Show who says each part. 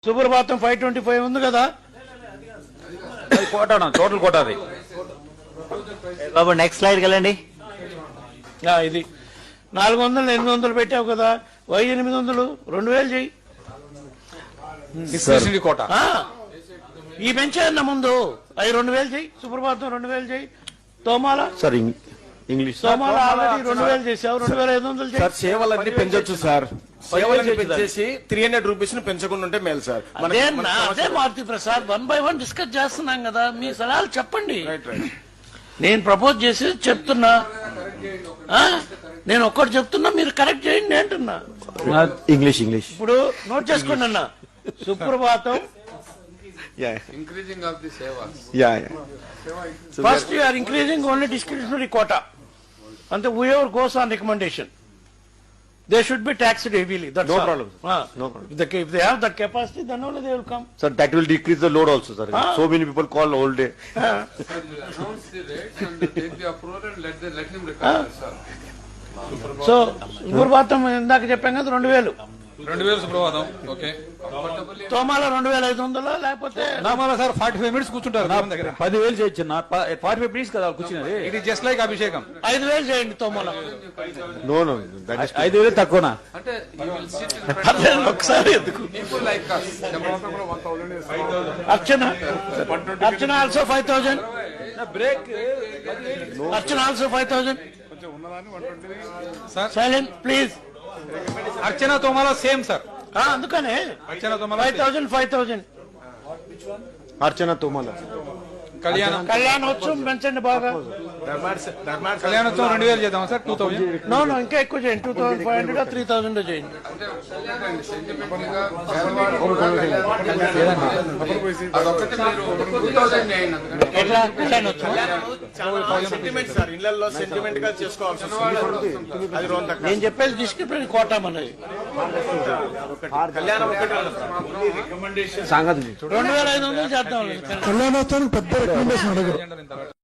Speaker 1: సుప్రభాతం 525 ఉంది కదా,
Speaker 2: కోట టోటల్ కోట అది.
Speaker 3: బాబు నెక్స్ట్ స్లైడ్కి వెళ్ళండి.
Speaker 1: ఇది 400 800 పెట్టావు కదా, 800 2000 చెయ్యి.
Speaker 2: డిస్క్రిప్షన్ కోట
Speaker 1: ఈ పెంచాయన్న ముందు అవి 2000 చెయ్యి. సుప్రభాతం 2000 చెయ్యి. తోమాల
Speaker 4: సార్ ఇంగ్లీష్
Speaker 1: తోమాల ఆల్రెడీ 2000 చేసావు, 2500 చెయ్యి.
Speaker 4: సార్ సేవలన్నీ పెంచొచ్చు సార్. సేవలన్నీ పెంచేసి 300 రూపీస్ ను పెంచకుండా ఉంటే మేలు సార్.
Speaker 1: అదే మారుతి ప్రసాద్ 1 by 1 డిస్కస్ చేస్తున్నాం కదా, మీ సలహాలు చెప్పండి. నేను ప్రపోజ్ చేసి చెప్తున్నా, నేను ఒక్కటి చెప్తున్నా, మీరు కరెక్ట్ చేయండి అంటున్నా.
Speaker 4: ఇంగ్లీష్
Speaker 1: ఇప్పుడు నోట్ చేసుకోండి అన్న. Suprabhatam
Speaker 5: increasing of the sevas.
Speaker 1: First you are increasing only discretionary quota, అంటే whoever goes on recommendation they should be taxed heavily. That's
Speaker 4: No
Speaker 1: all.
Speaker 4: problem.
Speaker 1: No problem. If they have that capacity, then only they will come.
Speaker 4: Sir, that will decrease the load also, sir. So many people call all day.
Speaker 5: Announce the rates and take the approval and let him recover, sir.
Speaker 1: So Suprabhatam ఇందాక చెప్పాం కదా 2000,
Speaker 2: 2000 సుప్రభాతం. Okay,
Speaker 1: తోమాల 2500 లేకపోతే
Speaker 2: నామాల sir 45 minutes కూర్చుంటారు దగ్గర.
Speaker 3: 10,000 చేయొచ్చు. 45 minutes కదా కూర్చున్నది.
Speaker 2: ఇది జస్ట్ లైక్ అభిషేకం.
Speaker 1: 5000 చేయండి తోమాల.
Speaker 4: No, that is
Speaker 3: 5,000 తక్కువనా?
Speaker 5: Ante you will sit in front of
Speaker 1: ఒకసారి ఎందుకు
Speaker 5: people like us.
Speaker 1: Archana also 5000.
Speaker 3: Break
Speaker 1: Archana also 5000.
Speaker 2: Sir
Speaker 1: silent please.
Speaker 2: Archana Thomala same sir.
Speaker 1: అందుకనే
Speaker 2: అర్చన తోమాల
Speaker 1: 5000.
Speaker 4: Archana Tomala.
Speaker 1: కళ్యాణోత్సవం పెంచండి బాగా.
Speaker 2: కళ్యాణోత్సవం 2000 చేద్దాం సార్. 2000.
Speaker 1: నో ఇంకా ఎక్కువ చేయండి. 2500 3000 చేయండి.
Speaker 5: అదొక్కటి మీరు 2000 చేయండి అందుకని.
Speaker 1: ఎట్లా కళ్యాణోత్సవం
Speaker 4: సెంటిమెంట్ సార్, ఇళ్లలో సెంటిమెంట్ గా చేసుకోవాల్సి వస్తుంది. అది రోజు
Speaker 1: నేను చెప్పేది డిస్క్రిప్షన్ కోటా మనది.
Speaker 4: కళ్యాణం ఒకటి
Speaker 1: సంగతి 2500 చేద్దాం.
Speaker 6: కళ్యాణోత్సవానికి పెద్ద రికమెండేషన్ అడగరు.